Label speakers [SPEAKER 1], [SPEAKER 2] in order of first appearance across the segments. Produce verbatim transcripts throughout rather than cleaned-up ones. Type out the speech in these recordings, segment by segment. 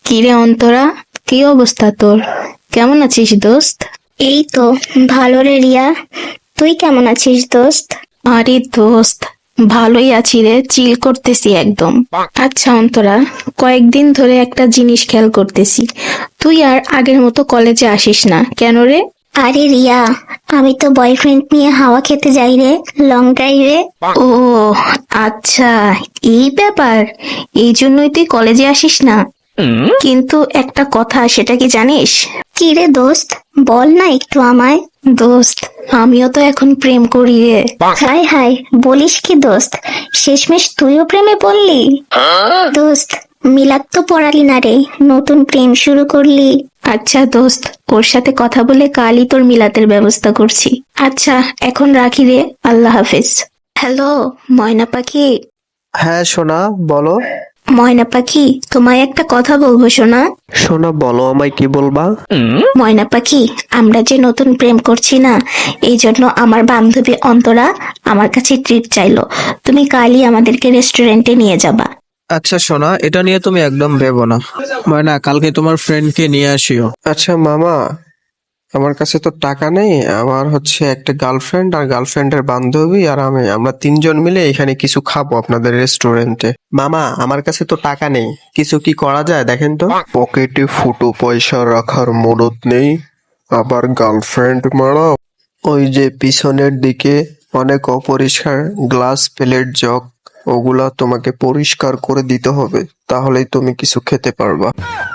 [SPEAKER 1] কিরে অন্তরা, কি অবস্থা তোর? কেমন আছিস দোস্ত?
[SPEAKER 2] এই তো ভালো রে রিয়া। তুই কেমন আছিস দোস্ত?
[SPEAKER 1] আরে দোস্ত, ভালোই আছি রে, চিল করতেছি একদম। আচ্ছা অন্তরা, কয়েকদিন ধরে একটা জিনিস খেয়াল করতেছি, তুই আর আগের মতো কলেজে আসিস না কেন রে?
[SPEAKER 2] আরে রিয়া, আমি তো বয়ফ্রেন্ড নিয়ে হাওয়া খেতে যাই রে, লং ড্রাইভে।
[SPEAKER 1] ও আচ্ছা, এই ব্যাপার, এই জন্যই তুই কলেজে আসিস না। কিন্তু একটা কথা, সেটা কি জানিস?
[SPEAKER 2] কি রে দোস্ত, বল না একটু আমায়।
[SPEAKER 1] দোস্ত, আমিও তো এখন প্রেম করি রে।
[SPEAKER 2] হাই হাই, বলিস কি দোস্ত, শেষমেশ তুইও প্রেমে পড়লি? দোস্ত, মিলাদ তো পড়ালি না রে, নতুন প্রেম শুরু করলি।
[SPEAKER 1] আচ্ছা দোস্ত, ওর সাথে কথা বলে কালই তোর মিলাতের ব্যবস্থা করছি। আচ্ছা এখন রাখি রে, আল্লাহ হাফেজ। হ্যালো ময়না পাখি।
[SPEAKER 3] হ্যাঁ সোনা, বলো।
[SPEAKER 1] ময়না পাখি, তোমায় একটা কথা বলবো শোনা।
[SPEAKER 3] সোনা বলো, আমায় কি বলবা?
[SPEAKER 1] ময়না পাখি, আমরা যে নতুন প্রেম করছি না, এই জন্য আমার বান্ধবী অন্তরা আমার কাছে ট্রিট চাইলো। তুমি কালই আমাদেরকে রেস্টুরেন্টে নিয়ে যাবা।
[SPEAKER 4] আচ্ছা সোনা, এটা নিয়ে তুমি একদম ভেবো না। ময়না, কালকে তোমার ফ্রেন্ডকে নিয়ে আসিও।
[SPEAKER 3] আচ্ছা মামা, আমার কাছে তো টাকা নেই। আমার হচ্ছে একটা গার্লফ্রেন্ড আর গার্লফ্রেন্ডের বান্ধবী আর আমি, আমরা তিনজন মিলে এখানে কিছু খাবো আপনাদের রেস্টুরেন্টে। মামা, আমার কাছে তো টাকা নেই, কিছু কি করা যায় দেখেন তো। পকেটে ফুটো পয়সা রাখার মদত নেই, আবার গার্লফ্রেন্ড মারা। ওই যে পিছনের দিকে অনেক অপরিষ্কার গ্লাস প্লেট জগ, ওগুলা তোমাকে পরিষ্কার করে দিতে হবে, তাহলেই তুমি কিছু খেতে পারবা।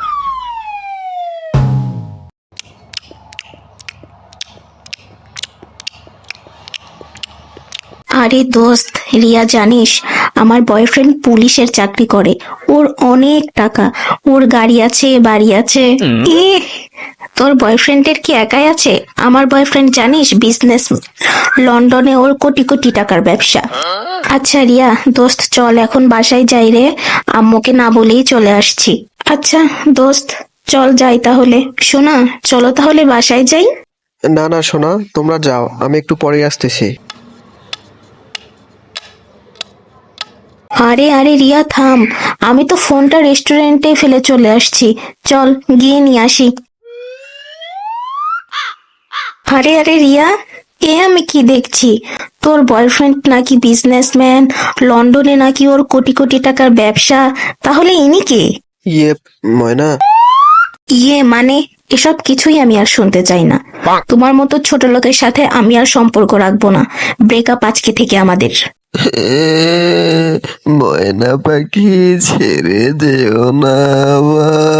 [SPEAKER 1] আরে দোস্ত, রিয়া জানিস, আমার বয়ফ্রেন্ড পুলিশের চাকরি করে, ওর অনেক টাকা, ওর গাড়ি আছে, বাড়ি আছে। এ, তোর বয়ফ্রেন্ডের কি একাই আছে? আমার বয়ফ্রেন্ড জানিস বিজনেস, লন্ডনে ওর কোটি কোটি টাকার ব্যবসা। আচ্ছা রিয়া দোস্ত, চল এখন বাসায় যাই রে, আম্মুকে না বলেই চলে আসছি। আচ্ছা দোস্ত, চল যাই তাহলে। শোনা, চলো তাহলে বাসায় যাই।
[SPEAKER 3] না না সোনা, তোমরা যাও, আমি একটু পরে আসতেছি।
[SPEAKER 1] আরে আরে রিয়া থাম, আমি তো ফোনটা রেস্টুরেন্টে ফেলে চলে আসছি, চল গিয়ে নিয়ে আসি। আরে আরে রিয়া, এ আমি কি দেখছি, তোর বয়ফ্রেন্ড নাকি বিজনেসম্যান, লন্ডনে নাকি ওর কোটি কোটি টাকার ব্যবসা, তাহলে ইনি কে?
[SPEAKER 3] ইয়ে ময়না,
[SPEAKER 1] ইয়ে মানে, এসব কিছুই আমি আর শুনতে চাই না। তোমার মতো ছোট লোকের সাথে আমি আর সম্পর্ক রাখবো না, ব্রেকআপ আজকে থেকে আমাদের।
[SPEAKER 3] ময়না পাখি ছেড়ে যেও না আবার।